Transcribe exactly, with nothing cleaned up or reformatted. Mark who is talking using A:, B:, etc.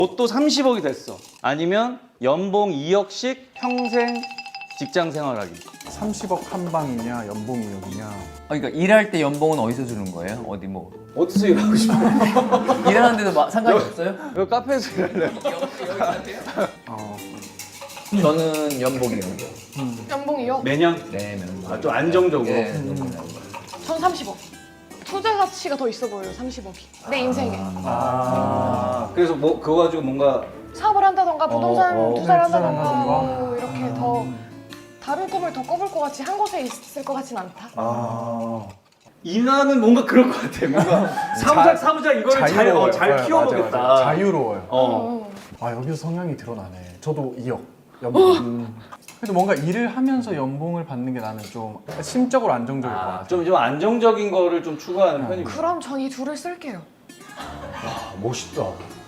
A: 로또 삼십억이 됐어. 아니면 연봉 이억씩 평생 직장 생활하기.
B: 삼십억 한 방이냐 연봉 이억이냐.
C: 아, 그러니까 일할 때 연봉은 어디서 주는 거예요? 어디 뭐
A: 어디서 일하고 싶어요?
C: 일하는데도 마- 상관이 없어요?
A: 여기 카페에서 일할래요?
B: 어,
C: 저는 연봉이요.
D: 연봉이요?
A: 매년?
C: 네, 명.
A: 아, 좀 안정적으로?
C: 네,
D: 전 삼십억. 투자 가치가 더 있어 보여요, 삼십억이. 내 인생에.
A: 아, 그래서 뭐 그거 가지고 뭔가
D: 사업을 한다던가 부동산
A: 어, 어,
D: 투자를
B: 네, 투자를
D: 한다던가
B: 한다던가.
D: 뭐 이렇게 더 다른 꿈을 더 꿔볼 것 같이 한 곳에 있을 것 같진 않다.
A: 아 이나는 뭔가 그럴 것 같아. 뭔가 사무장 사무장 이거를 잘,
B: 자유로워요.
A: 어, 잘
B: 네,
A: 키워보겠다.
B: 맞아요, 맞아요. 자유로워요.
A: 어.
D: 음.
B: 아 여기서 성향이 드러나네. 저도 이억 연봉. 음. 그래도 뭔가 일을 하면서 연봉을 받는 게 나는 좀 심적으로 안정적일 것 같아.
A: 좀, 좀 안정적인 거를 좀 추구하는 편이고.
D: 그럼 전 이 둘을 쓸게요.
A: 아, 멋있다.